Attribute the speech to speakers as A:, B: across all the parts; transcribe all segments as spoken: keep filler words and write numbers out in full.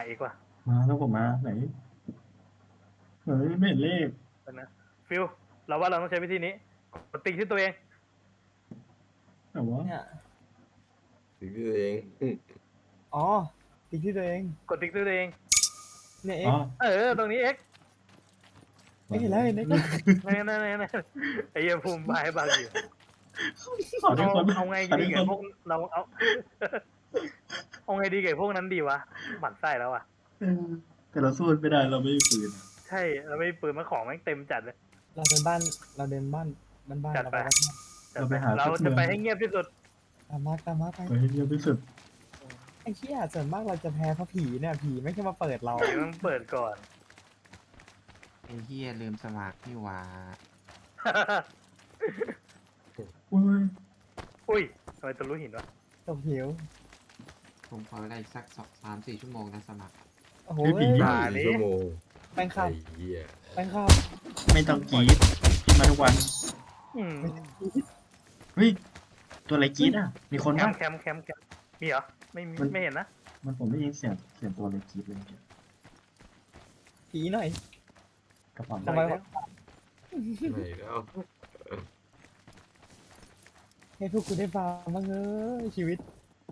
A: อีกว่ะ
B: มาแล้วผมมาไหนเฮ้ยไม่เห็นเลข
A: นะฟิลเราว่าเราต้องใช้วิธีนี้กดติ๊กที่ตัวเอง
B: แต่ว่า
C: เนี่ย
D: ถึงตัวเอง
C: อ๋อติ๊กที่ตัวเอง
A: กดติ๊กที่ตัวเอง
C: เนี่ยเอ็
B: อ๋
C: ก
B: อ
C: ซ์
A: เออตรงนี้เอ็ก
C: ไม่เห็นแล้วเห็นไหม
A: นั่นนั่นนั่นไอ้เหี้ยภูมิบายบางอยู่
B: ขอทุก
A: เอา
B: คน
A: เอาไง
B: ขอ
A: ดี
B: ทุก
A: กับ
B: คน
A: พวกเราเอาเอาไงดีกับพวกนั้นดีวะหมั่นไส้แล้วอ่ะ
B: เออแต่เราสู้ไม่ได้เราไม่มีปืน
A: ใช่เราไม่มีปืนมาของแม่งเต็มจัดเลย
C: เราเป็นบ้านเราเดินบ้านบ้านบ้าน
A: จัด
C: เรา
A: ไป
C: ไปบ้าน
A: จัดไปเราจะไปให้เงียบที่สุด
C: ตามมาตามมาไป
B: ไปให้เงียบที่สุด
C: ไอ้เชี่ยส่วนมากเราจะแพ้เพราะผีเนี่ยผีไม่ใช่มาเปิดเรา
A: เดี๋ยวมันเปิดก่อน
E: ไอ้เฮียลืมสมัครนี่หว่า
B: อุ้ย
A: อุ้ยทำไมตัวรู้หินวะ
C: ตกหิว
E: ผมขอเวลาอีกสักสองสามสี่ชั่วโมงนะสมัคร
C: โอ้โห
B: ผี
A: บ้า
D: สี่ชั่วโมง
C: แป้งข้า
D: ไอ้
C: ว
D: เหี้ย
C: แป้งข้าว
B: ไม่ต้องกรีดกินมาทุกวัน
A: อืม
B: เฮ้ยตัวอะไรกรีดอ่ะ มีคน
A: แค
B: ป่ะ
A: มป์แคมป์แคมป์แคมป์มีเหรอไม่มี
B: มัน
A: ไม่เห็นนะ
B: มันผมได้ยินเสียงเสียงตัวอะไรกรีดเลยเมื่อกี้
C: ผีหน่อย
B: กระป๋อง
C: ทำไมวะ
D: ไม่แล้ว
C: ให้พวกคุณได้ฟังบ้างเออชีวิต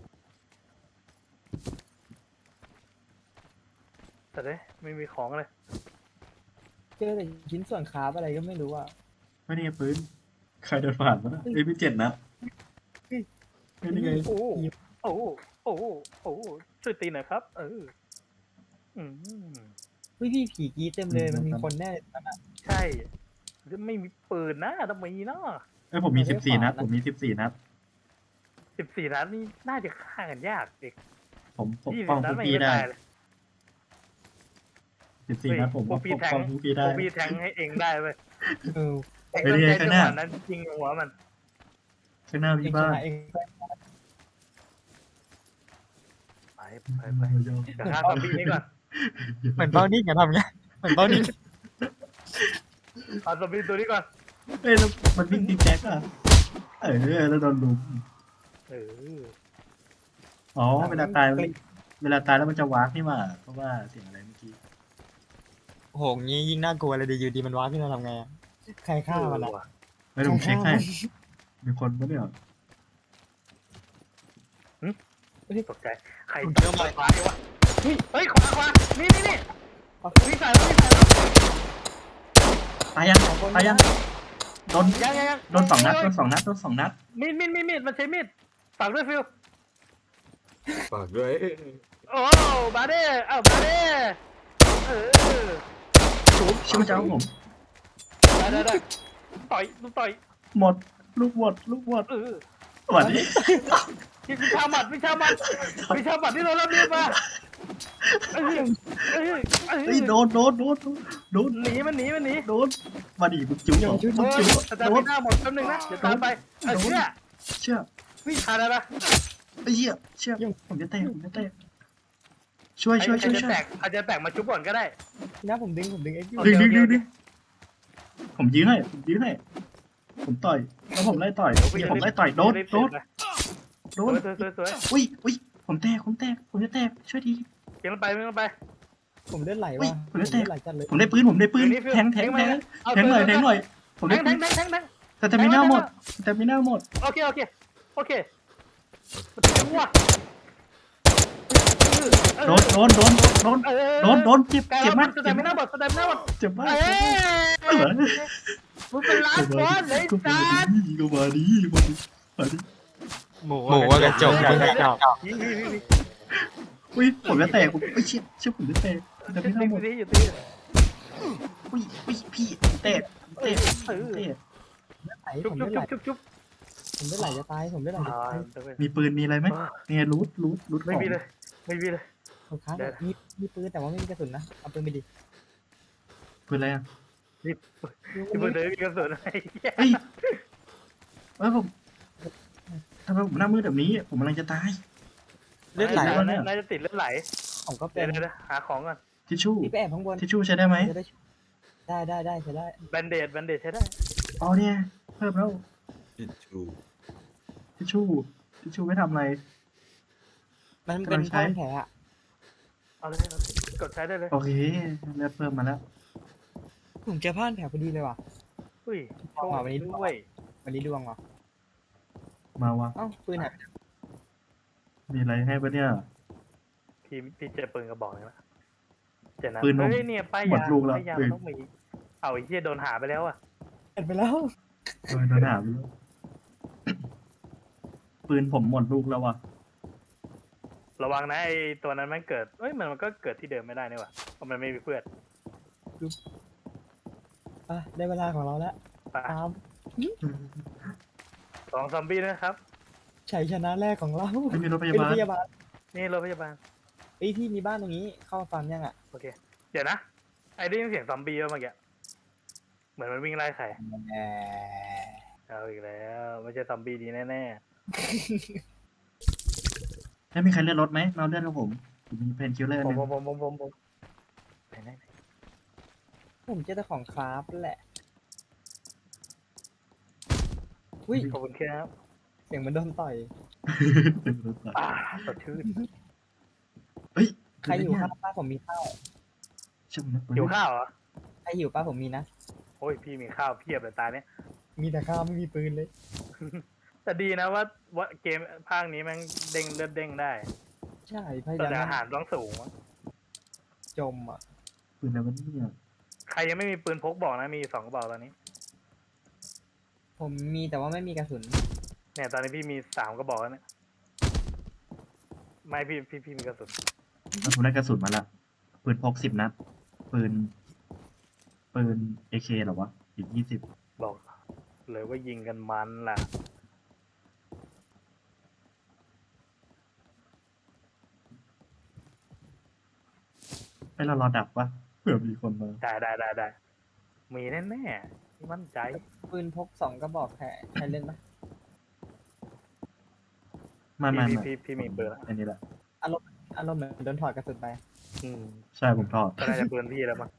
A: แต่เด้ไม่มีของเลย
C: เจอแต่ชิ้นส่วนคราฟอะไรก็ไม่รู้อ่ะ
B: ไม่ได้ปืนใครเดินผ่านมาเอ้ยพี่เจ็ดนัด
C: เฮ้ย
B: ไม่ได้ไง
A: โอ้โอ้โอ้โอ้ช่วยตีหน่อยครับ เอออืม
C: เฮ้ยพี่ผีกรีดเต็มเลยมันมีคนแน่เลยนั่นอ่ะ
A: ใช่ไม่มีปืนนะต้องมีเนาะ
B: เอ้ยผมมี
C: ไม่
B: สิ
C: ได้
B: บสี่
C: ขวา
B: นัด
C: นะ
B: ผมมีสิบสี่นัด
A: สิบสี่นัดนี่น่าจะฆ่ากันยากเด็ก
B: ผมปก
A: ยี่
B: ป้
A: สิ
B: อง
A: บนั
B: พ
A: ด
B: วก
A: ไม่
B: พี่ได้
A: ตายเลย
B: สิบสี่นัดผม
A: พว
B: ก็
A: กพี่
B: ปก
A: แทง
B: ป้องพวกพี่ได้
A: พวกพี่แทงให้เองได้เว้ย
C: เออ
A: เอง
B: เฮ้ย
A: ต้อง
B: นี่ไง
A: ใช้
B: ข้างหน้า
A: จังหวะนั้นยิงหัวมัน
B: ข้างหน้า
C: เอ
B: พี่
C: งช
B: บ้าน
C: นะเอง
A: ไปไปไปเดี๋ยวฆ่าซอมบี้นี้ก่อน
C: เหมือนเบ้านิ่งอะทำไงเหมือนเบ้านิ่ง
A: เอาซอมบี้ตัวนี้ก่อน
B: เอ้ยแล้วมันวิ่งติ๊กแจ๊กอ่ะเออแล้วโดนลุม
A: เออ
B: อ๋อเวลาตายเวลาตายแล้วมันจะวากนี่หว่าเพราะว่าเสียงอะไรเมื่อกี้
C: โอ้โหงี้ยิ่งน่ากลัวเลยดีอยู่ดีมันว้าขึ้นมาทำไงอะใครฆ่ามัน
A: เอ
C: อะ
A: อว่ะ
B: ไม่ต้องเช็คให้มีคนปะเนี่ย
A: ตกใจใครเจอมาขวาดีวะเฮ้ยเฮ้ยขวาขวานี่นี่นี่วิ่งใส่แล้ววิ่งใส่แล้ว
B: ตายยังตายยังโดน
A: ยังยังยัง
B: โดนสองนัดโดนสองนัดโดนสองนัด
A: มีดมีดมีดมีดมันใช้มีดฝากด้วยฟิว
D: ฝากด้วย
A: โอ้บาเด้เอ้าบาเด้เออ
B: ชุบชิบะเจ้าผม
A: ได้ได้ได้ต่อยลูกต่อย
B: หมดลูกหมดลูกหมด
A: เออ
B: สวัสดี
A: วิชาหมัดวิชาหมัดวิชาหมัดที่เราเริ่มเรียนมาเออเออเอ
B: เฮ้ย
A: อ
B: โดนโดนโดนโดน
A: หนีมันหนีมันหนี
B: โดนมาดิมึงจิ้วเหรอมึง
A: โอ้
B: จิ้
A: ยว
B: เหรอ
A: อาจาร
B: โด
A: ย์
B: น
A: ไม่น่าหมดแป๊บนึงนะเดี๋ยวตามไปเออเชื่อ
B: เชื่อ
A: วิ่งทันแล้วนะ
B: ไอ้เหี้ยเชื่อผมจะแตกผมจะแตกช่วยช่วย
A: ใคร
B: ช่วย
A: จะ
B: ช่ว
A: แต
B: ย
A: กใครจะแตกมาชุบก่อนก็ได้
C: นะผมดึงผมดึงเอ็กซ์อยู่
A: โอเค
B: ดึงดึงดึงดึงผมยื้อให้ผมยื้อให้ผมต่อยแล้วผมไล่ต่อยเนี่ยผมไล่ต่อยโดนโดนโด
A: ส
B: น
A: วยสวยสวยสวย
B: อุ้ยอุ้ยผมแตกผมแตกผมจะแตกช่วยที
A: เกียงไปเกียงไป
C: ผมเลือดไหล
B: อุ๊
C: ว่ะ
B: ย
C: ผมเลือดไหลจัดเลย
B: ผมได้ปืนผมได้ปืนแทงแทงแทงแทงหน่อยแทงหน่อยผม
A: แท
B: ได้
A: งแท
B: ปืน
A: งแทงแทงแทง
B: แต่แต่ไม่น่าหมดแต่ไม่น่าหมด
A: โอเคโอเคโอเคมันจะวัว
B: โดนโดนโดนโดนโดนโดนเจ็บ
A: ไกล
B: เจ็บ
A: แล้ว
B: มา
A: มั
B: ก
A: นแสดงไม่น่าบดแสดงไม่น่าบด
B: เจ็บมาก
A: เอ้ยมึงเป็นล้านคนเลย
B: ก็มา
A: จ้า
B: ดีก็มาดีมาดีมาดี
C: หมูว่ากระจกกระจก
A: ยิงยิงยิงยิง
B: อุ้ยผมจะแตกผมไม่เชื่อเชื่อผมจะแตกแต่ไม่น่าหมด
A: ตีอยู่ตี
B: อุ้ยอุ้ยพี่แตกแตกแตก
C: ไหล
A: ชุบ
C: ผม
A: ชุบ
C: เลือดไหล
A: ชุบชุบชุบ
C: ผมเลือดไหลจะตายผมเลือดไหลจะตาย
B: มีปืนมีอะไรไหมเนี่ยรูทรูทรูทข
A: ไม่
B: อง
A: มีเลยไม่มีเลย
C: ผมค้างมีมีปืนแต่ว่าไม่มีกระสุนนะเอาปืนไปดิ
B: ปืนอะไรอ่ะ
A: ที่มือเดินมีกระสุนอะไร
B: เฮ้ยเอ้ยผมทำไมผมหน้ามืดแบบนี้ผมกำลังจะตาย
C: เลือดไหล
A: น่าจะติดเลือดไหล
C: ผมก็เป็
A: เดี๋ยวน เดี๋ยวหาของก่อน
B: ทิชชู่
C: พี่ไปแอบข้างบน
B: ทิชชู่ใช้ได้ไหม
C: จะได้ได้ได้ได้ใช้ได้
A: แบนเดดแบนเดดใช้ได้
B: อ๋อเนี่ยเพิ่มแล้ว
D: ทิชชู่
B: ทิชชู่ทิชชู่ไม่ทำอะไร
C: มันเป็นผ้าพันแผลอะ
A: เอาเลยเอาเลยกดใช้ได้เลย
B: โอเคเลือดเพิ่มมาแล้ว
C: ผมเจอผ่านแถวพอดีเลยว่ะ
A: อุ้ยโชค
C: เอาวันนี้
A: ดี
C: ดู
A: ด้วย
C: วันนี้ดวงเหรอ
B: มาวะ
C: เอ้าปืนหายไปไหน
B: มีอะไรให้ปะเนี่ย
A: พี่พี่เจอปืนกระบอกหนึงแล้วเจอนะ
B: ปืนผม
A: เฮ้ยเนี่ยป้าย
B: หมด
A: ยา
B: ลูกแล้ว
A: ป้ายยา
B: ปื
A: มัน นต้องมีเอาไอ้เหี้ยโดนหาไปแล้วอ่ะ
C: เห็นไปแล้ว
B: โดนโดนหาไปแล้วปืนผมหมดลูกแล้ววะ
A: ระวังนะไอ้ตัวนั้นมันเกิดเอ้ยมันมันก็เกิดที่เดิมไม่ได้นี่หว่าเพราะมันไม่มีเพื่อน
C: อ่ะได้เวลาของเราแล้ว
A: ไป
C: ตาม
A: สองซอมบี้นะครับ
C: ชัยชนะแรกของเรา
B: ไม่มีรถพ
C: เป็น
B: ยาบาล
C: พยาบาล
A: นี่รถพยาบาล
C: เอ้ยพี่มีบ้านตรงนี้เข้าฟาร์มยังอ่ะ
A: โอเคเดี๋ยวนะไอ้ได้ยินเสียงซอมบี้ป่ะเมื่อกี้เหมือนมันวิ่งไล่ใคร
C: แหม
A: เอาอีกแล้วไม่ใช่ซอมบี้ดีแน่
B: แล้วมีใครเลื่อนรถไหมเราเลื่อนกับผมมีเพนคิลเลอร์
A: ๆ
B: ห
A: ผม
B: นึ่ง
A: ผมผมผมผมผมไหนไหนไหน
C: ผมเจอแต่ของคราฟแหละอุ้ย
A: ขอบคุณครับ
C: เสียงเหมันโดนต่อย
A: อ่าสดชื่น
B: เฮ้ย
C: ใครหิวข้าวป้าผมมีข้าว
B: ช่างนะ
A: หิวข้าวเหรอ
C: ใครหิวป้าผมมีนะ
A: โอ้ยพี่มีข้าวเพียบเลยตาเนี้ย
C: มีแต่ข้าวไม่มีปืนเลย
A: แต่ดีนะว่าว่าเกมภาคนี้แมันเด้งเลือดเด้งได้
C: ใช่พยา
A: แต่
C: ยาม
A: อาหารต้องสูงอะ
C: จมอ่ะ
B: ปืนอะไรวะเนี่ย
A: ใครยังไม่มีปืนพกบอกนะมีสองกระบอกตอนนี้
C: ผมมีแต่ว่าไม่มีกระสุน
A: เนี่ยตอนนี้พี่มีสามกระบอกแล้วเนี่ยไม่พี่พี่พี่มีกระสุน
B: แล้วผมได้กระสุนมาละปืนพกสิบนัดปืน ปืนเอเคเหรอวะอีกยี่สิบ
A: บอกเลยว่ายิงกันมันล่ะ
B: ให้เรารอดับปะเผื่อมีคนมา
A: ได้ได้ได้ได้มีแน่แน่ๆพี่มั่นใจ
C: ปืนพกสองกระบอกแค่ใครเล่นปะ
B: ไมามา
A: พี่
B: มา
A: พี่พี่พี่มีปืนแล้ว
B: อันนี้แหละ
C: อารมณ์อารมณ์เหมือนโดนถอดกระสุนไป
A: อืม
B: ใช่ผมถอด
A: ก็น่าจะปืนพี่แล้วมั้ง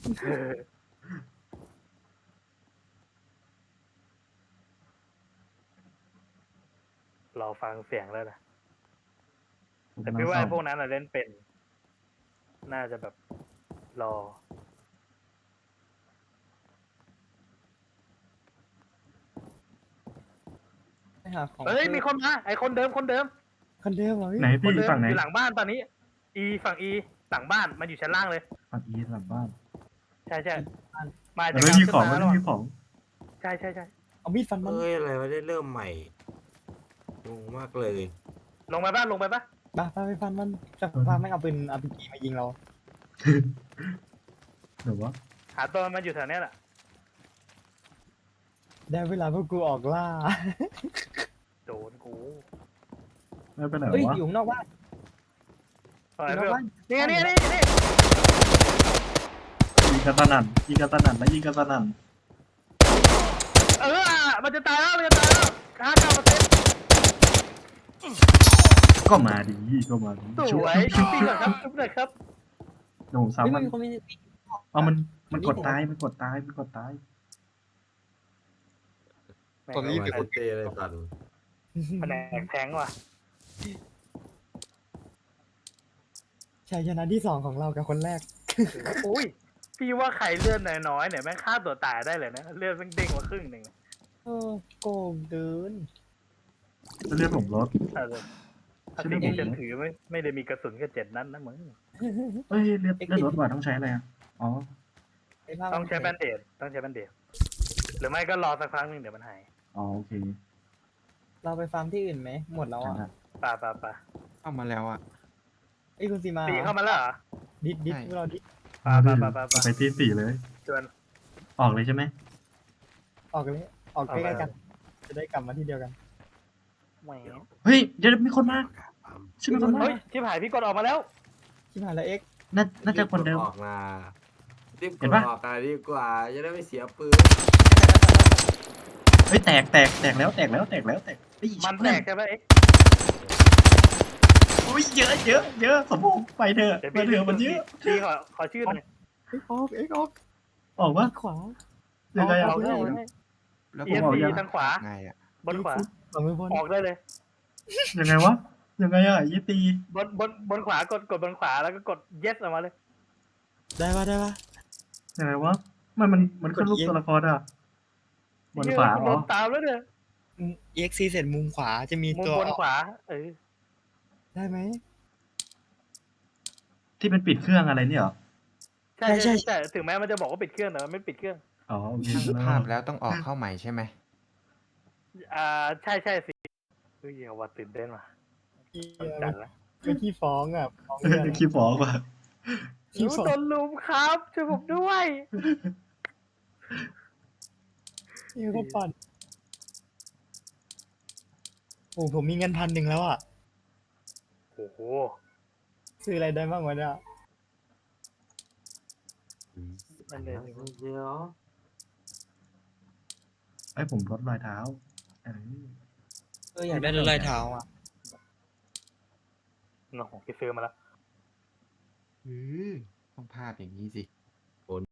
A: รอฟังเสียงแล้วนะ
B: ผม
A: แต่
B: กำลัง
A: พี่ว่า
B: ซ่อ
A: ไอ้
B: ม
A: พวกนั้นอะเล่นเป็น น่าจะแบบรอ
C: ไปหาของ
A: เฮ้ยมีคนมาไอคนเดิมคนเดิม
C: คนเดิมเหรอพี่
B: ไหน
A: ค
B: พี่
A: นเดิม
B: ฝั่งไหน
A: อยู่หลังบ้านตอนนี้ อีฝั่งอีหลังบ้านมันอยู่ชั้นล่างเลย
B: ฝั่งอีหลังบ้าน
A: ใช่ใช่มา
B: แต่
A: จาก
B: ไม่
A: การ
B: มี
A: ขึ้น
B: ของ
A: มา
B: ไม่
A: แล้ว
B: มีของ
A: ใช่ใช่ใช่
C: เอามีดฟันมัน
D: เอ้ยอะไรวะได้เริ่มใหม่งงมากเลย
A: ลงไปบ้านลงไปปะ
C: บ้าไปไปฟันมันแต่ฟันไม่เอาปืนอาร์พีจีมายิงเรา
B: หรือว่า
A: หาตัวมันอยู่แถวเนี้ยแหละ
C: ได้เวลาพวกกูออกล่า
A: โดนกู
B: ไม่เป็นไหน
C: เฮ้ยว
B: ะ
C: อยู่ข้างนอกบ้าน
A: อะไร
C: อยู่นอก
A: เพื่อน
C: บ้าน
A: นี่ไงนี่ไงนี่นี่
B: ยิงกระสนั่นยิงกระสนั่นแล้วยิงกระสนั่น
A: เออมันจะตายแล้วมันจะตายแล้วห้าเก้าเปอร์เซ็นต์
B: ก็มาดีก็มาดี
A: ส
B: ชุบ
A: วย
B: ชุ
A: ชุ
B: บบ ชุ
A: ปี
B: บ
A: ก่อนครับชุบหน่อยครับ
B: เดี๋ยวผม
C: เฮ้ย
B: ซ้ำ
C: มั
B: มัน น
C: มีคนมี
B: เอามันมันกดตายมันกดตายมันกดตาย
C: ผมรีบ
D: ไปคุเต้อะไรตัน
A: แผนกแทงว่ะ
C: ชัยชนะที่สองของเรากับคนแรก
A: อุ้ยพี่ว่าใครเลื่อนน้อยๆเนี่ยแม่งฆ่าตัวตายได้เลยนะเลื่อนแม่งเด้งมาครึ่งหนึ่ง
C: เออโกงเกิน
B: จะเลือดผมลด
A: ถ้าจะถ้าสิ่งที่ฉันถือไม่ไม่ได้มีกระสุนแค่เจ็ดนัดนะมึง
B: เอ้ยเลือดเลือดลดว่ะต้องใช้อะไรอ่ะอ๋อ
C: ไอ้ภาพ
A: ต้องใช้แบนเดดต้องใช้แบนเดดหรือไม่ก็รอสักครั้งหนึ่งเดี๋ยวมันหาย
B: อ๋อโอเค
C: เราไปฟาร์มที่อื่นไหมหมดแล้วอ่ะ
B: อ่ะ
A: ป่าป่าป่า
E: เข้ามาแล้วอ่ะ
C: ไอ้ยคุณซีมา
A: ตีเข้ามาแล้วเหรอ
C: ดิดดิด
E: ใช่
C: พวกเราดิด
A: ป่าป่าป่าป่าป่า
B: ไปที่สี่เลย
A: ชวน
B: ออกเลยใช่ไหม
C: ออกเลยออกใกล้ๆกัน จะได้กลับมาที่เดียวกัน
A: แหม
B: เฮ้ยเดี๋ยวมีคนมาใช่ไหมคนมา
A: เฮ้ยชิบหายพี่กดออกมาแล้ว
C: ชิบหายแล้วเอ็กซ์
B: น่าน่าจะคนเดิม
D: รีบกออกมารีบก
B: เห็
D: ด
B: นปะ
D: ออกกันดีกว่าจะได้ไม่เสียปืน
B: เฮ้ยแตกแตกแตกแล้วแตกแล้วแตกแล้วแตกเฮ้ย
A: มันแตกใช่ไหมเอ็กซ์
B: โอ้ยเยอะเยอะเยอะสมพงษ์ไปเถอะ
A: เดี๋ยว
B: ไป
A: พี่
B: เถอะมันเยอะ
A: พี่ขอขอชื่อหน่อย
C: เอ็กซ์ออกเอ็กซ์ออก
B: ออกว่า
C: ขวา
B: ยังไง
A: อ
B: อ่ะ
A: อกได้
E: แล้ว
A: เอีย
B: ผมบอก
A: ซี
B: ยัง
A: ทางขวา
E: ไงอ่ะ
A: บนขวา
C: สองมือบน
A: ออกได้เลย
B: ยังไงวะยังไงอ่ะยี่ตี
A: บนบนบนขวากดกดบนขวาแล้วก็กด yes ออกมาเลย
C: ได้ปะได้ปะ
B: ยังไงวะมันมันมันขึ้นรูปตัวละครอ่ะบนขวา
A: เหี้ย
B: อ๋
A: โด
B: อน
A: ตามแล้วเนี่ย
C: เอ็กซีเสร็จมุมขวาจะมี
A: มุม
C: ตัว
A: บนขวา เออ
C: ได้ไหม
B: ที่เป็นปิดเครื่องอะไรเนี่ยเหรอ
A: ใช่
C: ใช่
A: ใช่
C: ใช่
A: ใช่ถึงแม้มันจะบอกว่าปิดเครื่องแต่มันไม่ปิดเครื่อง
B: อ๋อโอเค
E: ตั้งภาพแล้วต้องออกเข้าใหม่ใช่ไหม
A: อ่าใช่ใช่สิเฮ้ยเอาว่าตื่นเต้นว่ะจัดละ
C: ไม่ขี้ฟ้องอ่ะฟ้อง
B: เออคีย์บอร์ดว่ะ
A: หนูโดนลุมครับช่วยผมด้วย
C: นี่ก็ปั่นโอ้ผมมีเงินพันหนึ่งแล้วอ่ะ
A: โอ้โห
C: ซื้ออะไรได้บ้างวะเนี่ย
A: นั่นเลย
E: เดี๋ยว
B: ไอ้ยผมลดรอยเท้าเออ
C: เอออยากได้รถลายเท้าอ่ะ
A: น้องพี่ซื้อมาแล้ว
E: อือต้องภาพอย่างนี้สิ